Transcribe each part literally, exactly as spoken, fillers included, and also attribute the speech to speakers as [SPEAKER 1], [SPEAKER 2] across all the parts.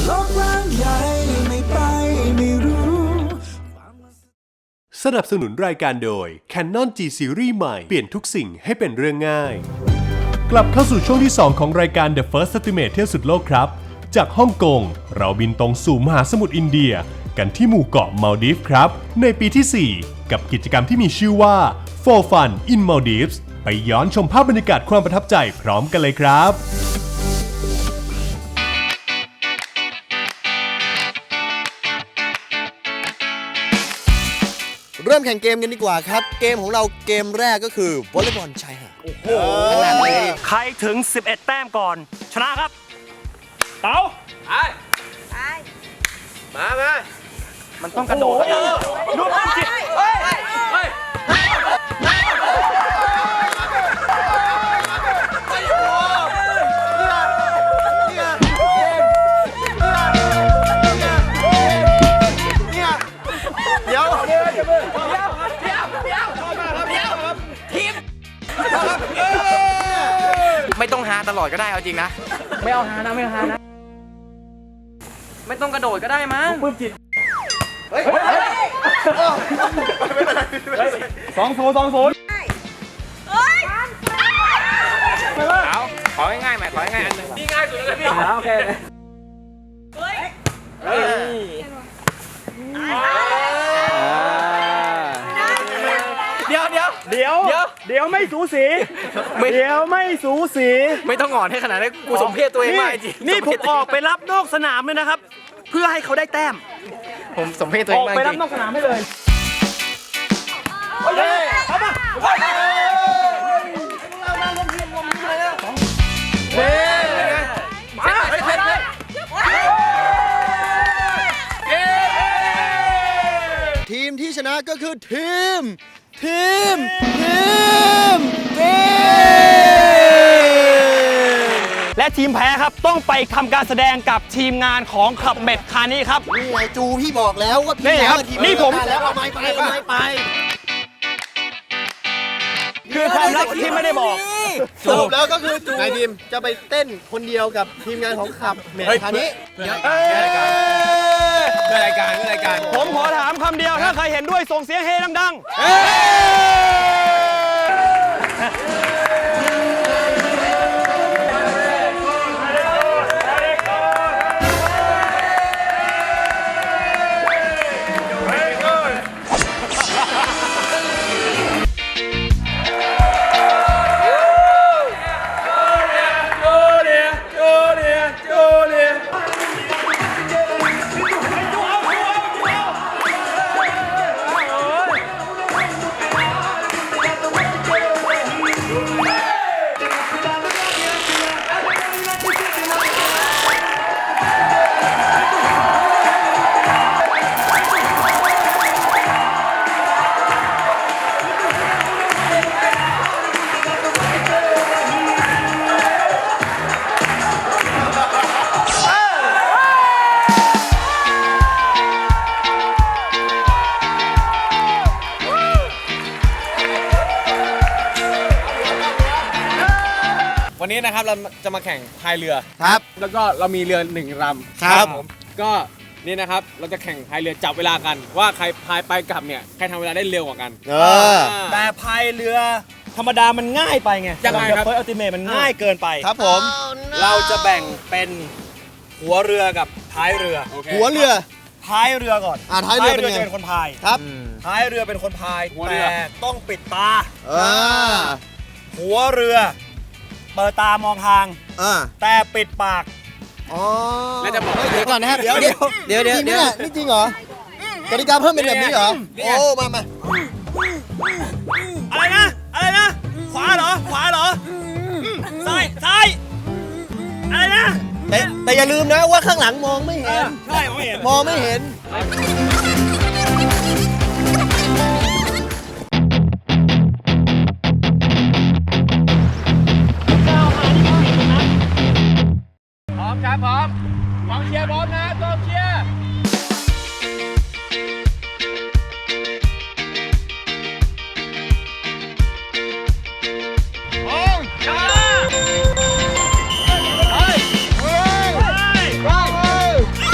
[SPEAKER 1] โลกกว้างใหญ่ไม่ไปไม่รู้
[SPEAKER 2] สนับสนุนรายการโดย Canon G Series ใหม่เปลี่ยนทุกสิ่งให้เป็นเรื่องง่ายกลับเข้าสู่ช่วงที่สองของรายการ The First Estimate เที่ยวสุดโลกครับจากฮ่องกงเราบินตรงสู่มหาสมุทรอินเดียกันที่หมู่เกาะมัลดีฟครับในปีที่สี่กับกิจกรรมที่มีชื่อว่า For Fun in Maldives ไปย้อนชมภาพบรรยากาศความประทับใจพร้อมกันเลยครับ
[SPEAKER 3] เริ่มแข่งเกมกันดีกว่าครับเกมของเราเกมแรกก็คือวอลเลย์บอลชายหาดโอ้โห
[SPEAKER 4] ใครถึงสิบเอ็ดแต้มก่อนชนะครับเต๋าไปไปมามามันต้องกระโดดดูมันจิเฮ้ยเฮ้ย
[SPEAKER 3] เดี๋ยวเดี๋ยวเดี๋ยวเดี๋ยวเดี๋ยวเดี๋ยวทีม
[SPEAKER 5] ไม่ต้องหาตลอดก็ได้เอาจริงนะไม่เอาหานะไม่เอาหานะไม่ต้องกระโดดก็ได้มั้งปื้มจิตเฮ้ย
[SPEAKER 4] สองศูนย์สองศูนย์
[SPEAKER 5] เอาของ่ายๆไหมของ่ายๆอันนึงนี่ง่ายสุดเลยพี่โอเคเฮ้ยเฮ้ยเดี๋ยวเดี๋ยว
[SPEAKER 4] เดี๋ยวเดี๋ยวเดี๋ยวไม่สูสีเดี๋ยวไม่สูสี
[SPEAKER 5] ไม่ต้องงอนให้ขนาดนั้นกูสมเพศตัวเองมากจริง
[SPEAKER 4] นี่ผมออกไปรับนอกสนามเลยนะครับเพื่อให้เขาได้แต้ม
[SPEAKER 5] ผมสมเพศตัวเองมากจริง
[SPEAKER 4] ออกไปรับนอกสนามให้เลยเฮ้ยเอามาเฮ้ยมาเฮ้ยเฮ้ย
[SPEAKER 3] ทีมที่ชนะก็คือทีมทีมทีมทีม
[SPEAKER 4] และทีมแพ้ครับต้องไปทำการแสดงกับทีมงานของขับเบ็ดคานี้ครับ
[SPEAKER 3] นี่ไงจูพี่บอกแล้วว่า
[SPEAKER 4] นี่ครับนี่ผม
[SPEAKER 3] แล้วเอาไม้ไปเอาไม้ไป
[SPEAKER 4] คือความลับที่ไม่ได้บอก
[SPEAKER 3] สรุปแล้วก็คือจูนายทีมจะไปเต้นคนเดียวกับทีมงานของขับเบ็ดคานี้
[SPEAKER 4] เพื่อรายการเพื่อรายการเพื่อรายการผมขอถามคำเดียวถ้าใครเห็นด้วยส่งเสียงเฮดังๆ
[SPEAKER 6] วันนี้นะครับเราจะมาแข่งพายเรือ
[SPEAKER 3] ครับ
[SPEAKER 6] แล้วก็เรามีเรือหนึ่งลำ
[SPEAKER 3] ครับ
[SPEAKER 6] ผมก็นี่นะครับเราจะแข่งพายเรือจับเวลากันว่าใครพายไปกลับเนี่ยใครทำเวลาได้เร็วกว่ากัน
[SPEAKER 3] เออ
[SPEAKER 4] แต่พายเรือธรรมดามันง่ายไปไง
[SPEAKER 6] ยังไงครับ
[SPEAKER 4] เฟิร์สอัลติเมทมันง่ายเกินไป
[SPEAKER 3] ครับผม
[SPEAKER 4] เราจะแบ่งเป็นหัวเรือกับท้ายเรือ
[SPEAKER 3] หัวเรือ
[SPEAKER 4] ท้ายเรือก่อน
[SPEAKER 3] อ่าท้ายเรือเป็นไง
[SPEAKER 4] เป็นคนพาย
[SPEAKER 3] ครับ
[SPEAKER 4] ท้ายเรือเป็นคนพายแต่ต้องปิดตาหัวเรือเปิดตามองทางแต่ปิดปาก
[SPEAKER 3] อ๋อ
[SPEAKER 6] แล้วจะบอก
[SPEAKER 3] เดี๋ยวก่อนนะครับเดี๋ยวเดี๋ยวเดี๋ยวเดี๋ยวเดี๋ยวนี่จริงเหรอกติกาเพิ่มเป็นแบบนี้เหรอโอ้มามา
[SPEAKER 4] อะไรนะอะไรนะขวาเหรอขวาเหรอซ้ายซ้ายอะไรนะ
[SPEAKER 3] แต่แต่อย่าลืมนะว่าข้างหลังมองไม่เห็น
[SPEAKER 4] ใช่มองไม่เห็น
[SPEAKER 3] มองไม่เห็น
[SPEAKER 6] พร้อมครับพร้อมกองเชียร์พร้อมนะกองเชียร์พร้อมช้าเฮ้ยเฮ้ยเฮ้ย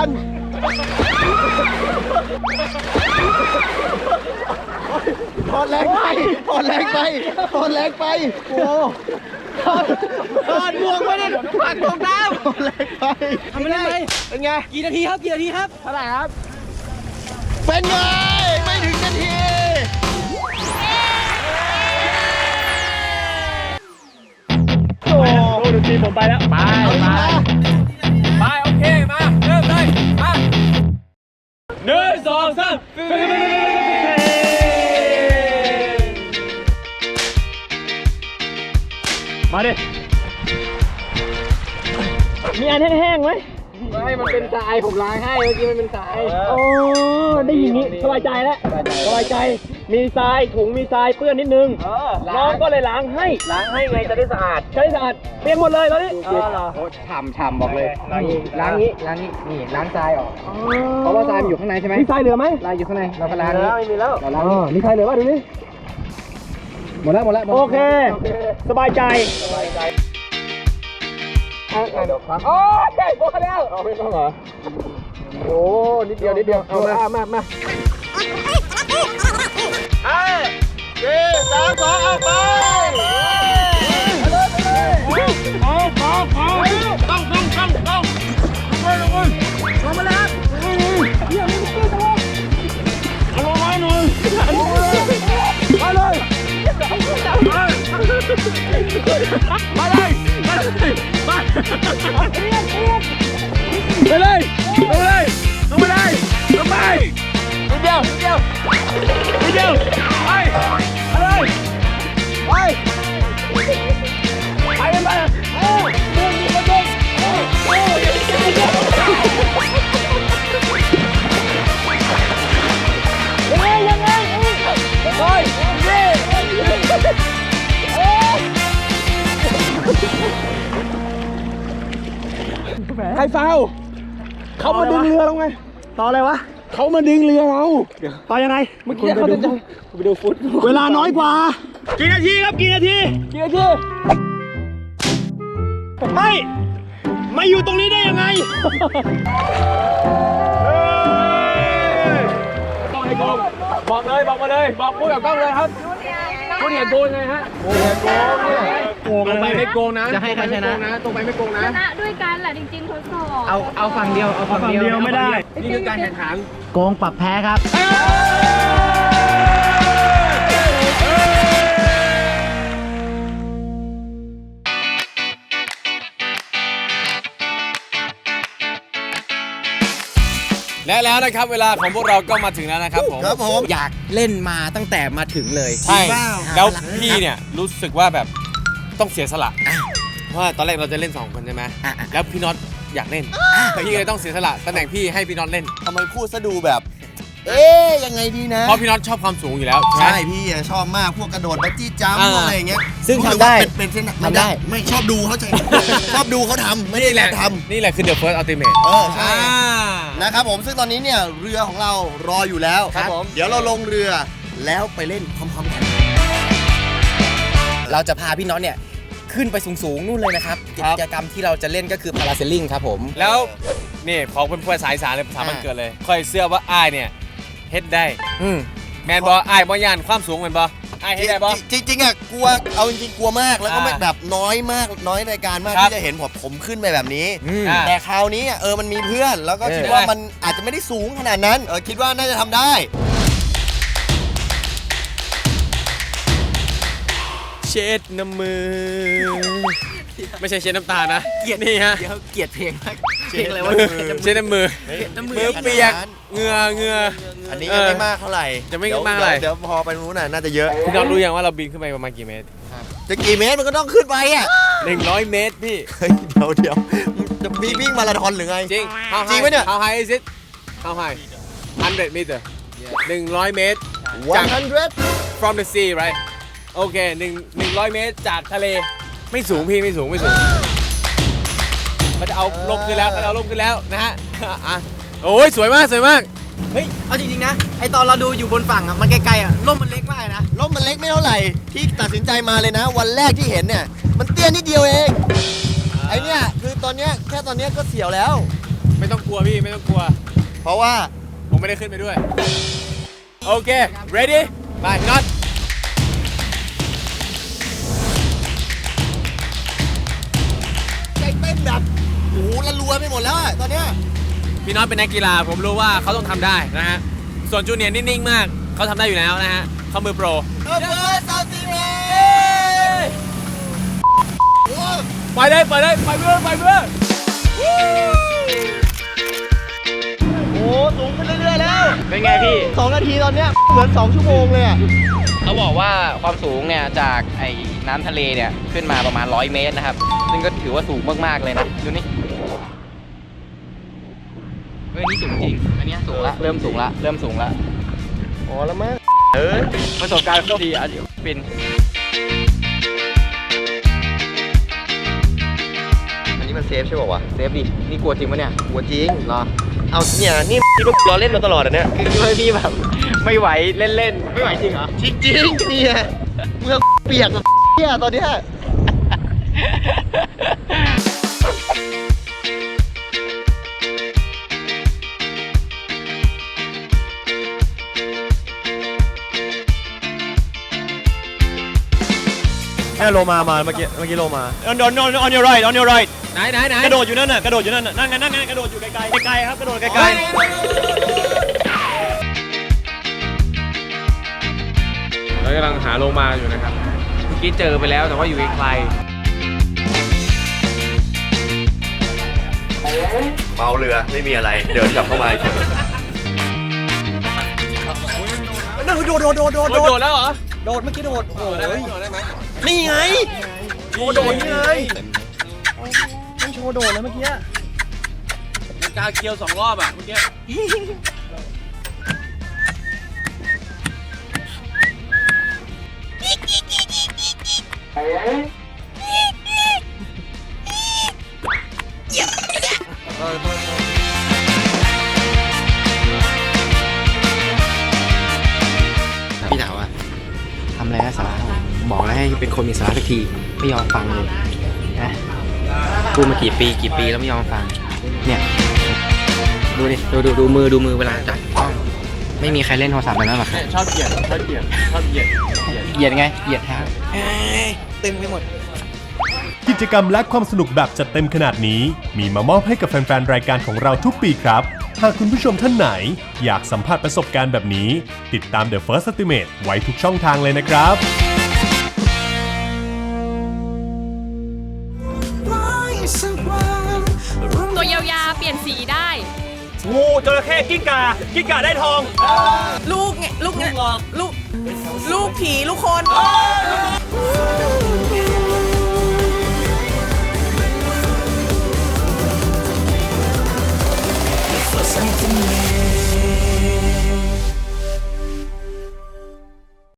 [SPEAKER 3] นถอนแรงไปถอนแรงไปถอนแรงไปโอ้ถอนถอนบวกไม่ได้ปักตรงน้ำถอนแรงไปทำไม่ได้เป็นไงกี่นาทีครับกี่นาทีครับเท่าไหร่ครับเป็นไงไม่ถึงนาทีโอ้ดนตรีผมไปแล้วไปไป
[SPEAKER 6] ไปโอเคมาเริ่มเลยมาหนึ่งสองสามมาดิมีอันแห้งๆไหมไม่มันเป็นทรายผมล้างให้เมื่อกี้มันเป็นทรายโอ้ได้ยินนี้สบายใจแล้วสบายใจมีทรายถุงมีทรายเปื้อนนิดนึงน้องก็เลยล้างให้ล้างให้ไงจะได้สะอาดจะได้สะอาดเปลี่ยนหมดเลยตอนนี้ฉ่ำฉ่ำบอกเลยล้างนี้ล้างนี้นี่ล้างทรายออกเพราะว่าทรายมันอยู่ข้างในใช่ไหมมีทรายเหลือไหมทรายอยู่ข้างในเราก็ล้างนี้ไม่มีแล้วเราล้างนี้มีทรายเหลือป่ะดูนี่หมดแล้วหมดแล้วโอเคสบายใจสบายใจโอเคหมดแล้วเอาไม่ต้องเหรอโอ้นิดเดียวนิดเดียวเอามามามาห้าสี่สามสองเอาไปเอาเอาเอาต้องต้องต้องต้องลงลงลงมาแล้วเยี่ยมไม่ได้ตัวเอาลงมาหน่อยมาเลยมาเลยมาเลยมาไปเลยลงเลยลงไปเลยลงไปนิดเดียวนิดเดียวนิดเดียวไปไปเลยไปไปกันไปโอ้ดึงดึงดึงโอ้โอ้ดึงดึงดึงยังไงยังไงโอ้ยเย้ใครฟาวเขามาดึงเรือเราไงต่ออะไรวะเขามาดึงเรือเราต่อยังไงเมื่อกี้เขาจะไปดูฟุตเวลาน้อยกว่ากี่นาทีครับกี่นาทีกี่นาทีไม่มาอยู่ตรงนี้ได้ยังไงต้องให้กล้องบอกเลยบอกมาเลยบอกพูดกับกล้องเลยครับคุณเห็นโกงไงฮะโกงโกงเนี่ยโกงไปไม่โกงนะจะให้ใครชนะตรงไปไม่โกงนะ
[SPEAKER 7] ชนะด้วยกันแหละจริงๆทดสอบ
[SPEAKER 5] เอาเอาฝั่งเดียวเอาฝั่งเดียว
[SPEAKER 6] ไม่ได้
[SPEAKER 5] นี่คือการแข่งขัน
[SPEAKER 8] โกงปรับแพ้ครับ
[SPEAKER 6] และแล้วนะครับเวลาของพวกเราก็มาถึงแล้วนะครับผม
[SPEAKER 3] ครับผม
[SPEAKER 5] อยากเล่นมาตั้งแต่มาถึงเลย
[SPEAKER 6] ใช่แล้วพี่เนี่ยรู้สึกว่าแบบต้องเสียสละเพราะว่าตอนแรกเราจะเล่นสองคนใช่ไหมแล้วพี่น็อตอยากเล่นพี่เลยต้องเสียสละตำแหน่งพี่ให้พี่น็อตเล่น
[SPEAKER 3] ทำไมพูดซะดูแบบ เอ๊ยยังไงดีนะ
[SPEAKER 6] เพราะพี่น็อตชอบความสูงอยู่แล้ว
[SPEAKER 3] ใช่พี่อะชอบมากพวกกระโดดบัจจี้จัมป์อะไรอย่างเงี้ย
[SPEAKER 5] ซึ่งทำได้
[SPEAKER 3] เป็นเป็นเส้นทำได้ไม่ชอบดูเขาใจ ชอบดูเขาทำไม่ได้แหละทำ
[SPEAKER 6] นี่แหละคือ The First Ultimate
[SPEAKER 3] เออใช่นะครับผมซึ่งตอนนี้เนี่ยเรือของเรารออยู่แล้ว
[SPEAKER 5] ครับผม
[SPEAKER 3] เดี๋ยวเราลงเรือแล้วไปเล่นพร้อมๆกัน
[SPEAKER 5] เราจะพาพี่น็อตเนี่ยขึ้นไปสูงๆนู่นเลยนะครับกิจกรรมที่เราจะเล่นก็คือพาราเซลลิงครับผม
[SPEAKER 6] แล้วนี่ขอเป็นภาษาอีสานเลยภาษามันเกิดเลยค่อยเสื้อว่าอ้ายเนี่ยเฮ็ดได้
[SPEAKER 5] อืม
[SPEAKER 6] แมนบออ้ายบ่ยานความสูงแมนบออ้ายเฮ็ดได้บอ
[SPEAKER 3] จริงๆอ่ะกลัวเอาจริงๆกลัวมากแล้วก็ไม่
[SPEAKER 6] อ่า
[SPEAKER 3] แบบน้อยมากน้อยรายการมาก
[SPEAKER 6] ครับ
[SPEAKER 3] ที่จะเห็นผมผมขึ้นไปแบบนี้
[SPEAKER 6] อ่า
[SPEAKER 3] แต่คราวนี้อ่ะเออมันมีเพื่อนแล้วก็คิดว่ามันอาจจะไม่ได้สูงขนาดนั้นเออคิดว่าน่าจะทำได้
[SPEAKER 6] เช็ดน้ำมือ ไม่ใช่เช็ดน้ำตานะเกลียดนี่ฮะ
[SPEAKER 5] เดี๋ยวเกลียดเพลงมากเพลงอะไรวะ
[SPEAKER 6] เช็ดน้ำมือ
[SPEAKER 5] น้ำมื
[SPEAKER 6] มือเปียกเหงื่อเหงื่อ
[SPEAKER 3] อันนี้ยังไม่มากเท่าไหร่
[SPEAKER 6] จะไม่มากเท่าไหร่
[SPEAKER 3] เดี๋ยวพอไปนู้นน่ะน่าจะเยอะ
[SPEAKER 6] พี่น้องรู้ยังว่าเราบินขึ้นไปประมาณกี่เมตร
[SPEAKER 3] จะกี่เมตรมันก็ต้องขึ้นไปอ่ะ
[SPEAKER 6] หนึ่งร้อยเมตรพี่
[SPEAKER 3] เฮ้ยเดี๋ยวเดี๋ยวจะมีวิ่งมาราธอนหรือไง
[SPEAKER 6] จริง How
[SPEAKER 3] จริง
[SPEAKER 6] high
[SPEAKER 3] ไหมเนี่ย
[SPEAKER 6] How high is it How high one hundred meter หนึ่งร้อยเมตร จาก
[SPEAKER 3] one hundred
[SPEAKER 6] from the sea right โอเคหนึ่งหนึ่งร้อยเมตรจากทะเลไม่สูงพี่ไม่สูงไม่สูงมันจะเอาลมขึ้นแล้วมันเอาลมขึ้นแล้วนะฮะอ่ะโอ้ยสวยมากสวยมาก
[SPEAKER 5] เฮ้ยเอาจริงๆนะไอตอนเราดูอยู่บนฝั่งอ่ะมันไกลๆอ่ะร่มมันเล็กมากนะ
[SPEAKER 3] ร่มมันเล็กไม่เท่าไหร่ที่ตัดสินใจมาเลยนะ วันแรกที่เห็นเนี่ยมันเตี้ยนิดเดียวเองไอเนี่ยคือตอนเนี้ยแค่ตอนเนี้ยก็เสียวแล้วไม่ต้องกลัวพี่ไม่ต้องกลัว
[SPEAKER 5] เพราะว่า
[SPEAKER 3] ผมไม่ได้ขึ้นไปด้วย โอเค ready ไปน็อต
[SPEAKER 5] ใจเต้นแบบโอ้โหละรัวไปหมดแล้วอะตอนเนี้ย
[SPEAKER 3] พี่น็อตเป็นนักกีฬาผมรู้ว่าเขาต้องทำได้นะฮะ ส่วนจูเนียร์นิ่งๆมาก เขาทำได้อยู่แล้วนะฮะเขามือโปร
[SPEAKER 5] เดอะเฟิร์สซัติเมต
[SPEAKER 3] ไปเลยไปเลยไปเรื่อยไปเรื่อย
[SPEAKER 5] โอ้สูงขึ้นเรื่อยๆแล้ว
[SPEAKER 6] เป็นไงพี่
[SPEAKER 5] สองนาทีตอนเนี้ยเหมือนสองชั่วโมงเลยอะ
[SPEAKER 6] เขาบอกว่าความสูงเนี่ยจากไอ้น้ำทะเลเนี่ยขึ้นมาประมาณร้อยเมตรนะครับ ซึ่งก็ถือว่าสูงมากๆเลยนะ ดูนี่เฮ้ยนี่สูงจริง อันนี้สูงละ เริ่มสูงละ เริ่มสูงละ
[SPEAKER 5] อ๋อแล้วมั้ง
[SPEAKER 6] เออประสบการณ์ก็ดีอ่ะเดี๋ยวเป็น
[SPEAKER 5] อันนี้มันเซฟใช่ป่าววะ
[SPEAKER 6] เซฟดิ นี่กลัวจริงปะเนี่ย
[SPEAKER 5] หัวจริง
[SPEAKER 6] รอ
[SPEAKER 5] เอาเนี่ยนี่พี่ลูกรอเล่นมาตลอดอ่ะเนี่ย
[SPEAKER 6] คือคิดว่าพี่แบบไม่ไหวเล่นๆ ไม่ไหวจริงเหรอ
[SPEAKER 5] จริงจริงๆเนี่ยเมื่อเปียกแบบเนี่ยตอนเนี้ย
[SPEAKER 3] เนี่ยโลมามาเมื่อกี้เมื่อกี้โลมา on on on on your right on your right ไหนไหนไหนกระโดดอยู่นั่นน่ะกระโดดอยู่นั่นน่ะนั่งไงนั่งไงกระโดดอยู่ไกลๆไกลๆครับกระโดดไกลๆเรากำลังหาโลมาอยู่นะครับเมื่อกี้เจอไปแล้วแต่ว่าอยู่ไกล
[SPEAKER 5] เมาเรือไม่มีอะไรเดินกลับเข้ามาเฉย
[SPEAKER 3] นั่นคือโดดโดดโดดโดดโดดแล้วเหรอโดดเมื่อกี้โดดโอ้ยโดดได้ไหม
[SPEAKER 5] นี่ไง
[SPEAKER 3] โชว์โดดนี่เลยต้องโชว์โดดเลยเมื่อกี้มันกาเคียวสองรอบอ่ะเมื่อกี้พี่ถามว่าทำอะไรนะสาระบอกแล้วให้เป็นคนมีสาระสักทีไม่ยอมฟังเลยนะพูดมากี่ปีกี่ปีแล้วไม่ยอมฟังเนี่ยดูดิดูดูดูมือดูมือเวลาจับกล้องไม่มีใครเล่นโทรศัพท์แบบนั้นหรอกชอบเกียดชอบเกียดชอบเกียดเกียดไงเกียดฮะตึงไปหมด
[SPEAKER 2] กิจกรรมและความสนุกแบบจัดเต็มขนาดนี้มีมามอบให้กับแฟนๆ รายการของเราทุกปีครับ หากคุณผู้ชมท่านไหนอยากสัมผัสประสบการณ์แบบนี้ ติดตาม The First Estimate ไว้ทุกช่องทางเลยนะครับ
[SPEAKER 7] ตัวยาวๆ เปลี่ยนสีได้
[SPEAKER 3] งูจระเข้กิ้งก่ากิ้งก่าได้ทอง
[SPEAKER 8] ลูกไงลูกไงลูกลูกผีลูกคน
[SPEAKER 1] Something